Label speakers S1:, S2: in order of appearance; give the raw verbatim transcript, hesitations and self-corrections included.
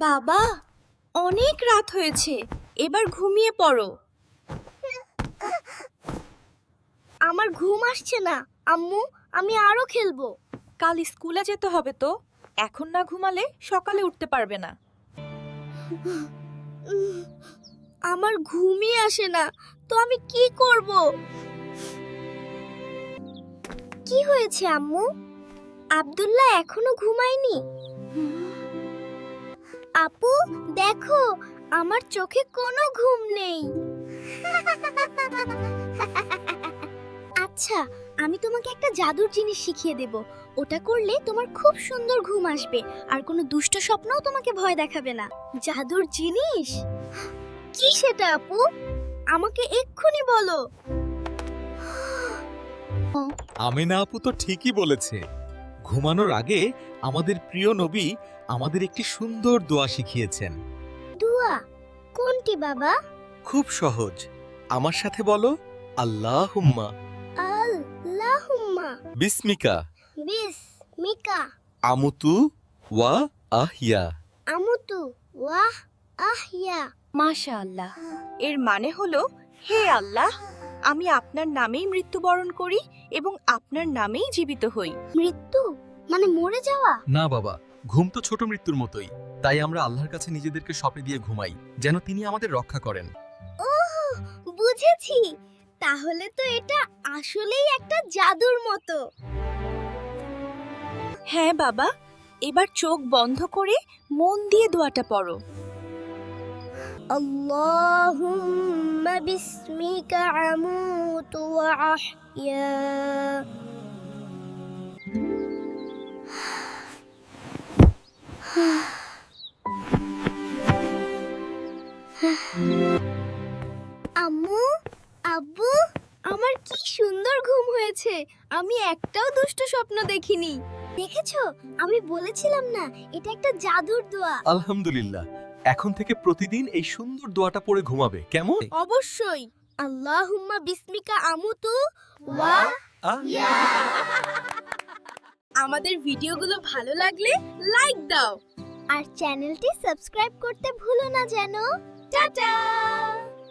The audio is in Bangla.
S1: বাবা, অনেক রাত হয়েছে, এবার ঘুমিয়ে পড়ো। আমার ঘুম আসছে না আম্মু, আমি আরো খেলবো।
S2: কাল স্কুলে যেতে হবে তো, এখন না ঘুমালে সকালে উঠতে পারবে না।
S1: আমার ঘুমই আসে না, তো আমি কি করব? কি হয়েছে আম্মু? আব্দুল্লাহ এখনো ঘুমায়নি? আপু দেখো, আমার চোখে কোনো ঘুম নেই। আচ্ছা, আমি তোমাকে একটা জাদুর জিনিস শিখিয়ে দেব। ওটা করলে তোমার খুব সুন্দর ঘুম আসবে, আর কোনো দুষ্ট স্বপ্নও তোমাকে ভয় দেখাবে না। জাদুর জিনিস? কি সেটা আপু? আমাকে এক্ষুনি বলো।
S3: আমিনা আপু তো ঠিকই বলেছে। ঘুমানোর আগে আমাদের প্রিয় নবী আমাদের একটি সুন্দর দোয়া শিখিয়েছেন।
S1: দুয়া? কোনটি বাবা?
S3: খুব সহজ, আমার সাথে বলো, আল্লাহুম্মা
S1: আল্লাহুম্মা
S3: বিসমিকা
S1: বিসমিকা
S3: আমুতু ওয়া আহিয়া।
S1: আমুতু ওয়াহ আহিয়া।
S2: মাশাআল্লাহ, এর মানে হলো, হে আল্লাহ, আমি আপনার নামেই মৃত্যুবরণ করি এবং আপনার নামেই জীবিত হই।
S1: মৃত্যু মানে মরে যাওয়া?
S3: না বাবা, ঘুম তো ছোট মৃত্যুর মতোই, তাই আমরা আল্লাহর কাছে নিজেদেরকে সঁপে দিয়ে ঘুমাই, যেন তিনি আমাদের রক্ষা করেন।
S1: ওহ, বুঝেছি। তাহলে তো এটা আসলেই একটা জাদুর মতো।
S2: হ্যাঁ বাবা, এবার চোখ বন্ধ করে মন দিয়ে দোয়াটা পড়ো।
S1: আল্লাহুম্মা বিসমিকা আমুতু ওয়া আহইয়া। আম্মু, আব্বু, আমার কি সুন্দর ঘুম হয়েছে। আমি একটাও দুষ্ট স্বপ্ন দেখিনি। দেখেছো, আমি বলেছিলাম না, এটা একটা জাদুর দোয়া।
S3: আলহামদুলিল্লাহ, এখন থেকে প্রতিদিন এই সুন্দর দোয়াটা পড়ে ঘুমাবে, কেমন?
S1: অবশ্যই। আল্লাহুম্মা বিসমিকা আমুতু ওয়া। আমাদের ভিডিওগুলো ভালো লাগলে লাইক দাও, আর চ্যানেলটি সাবস্ক্রাইব করতে ভুলো না যেন। টাটা।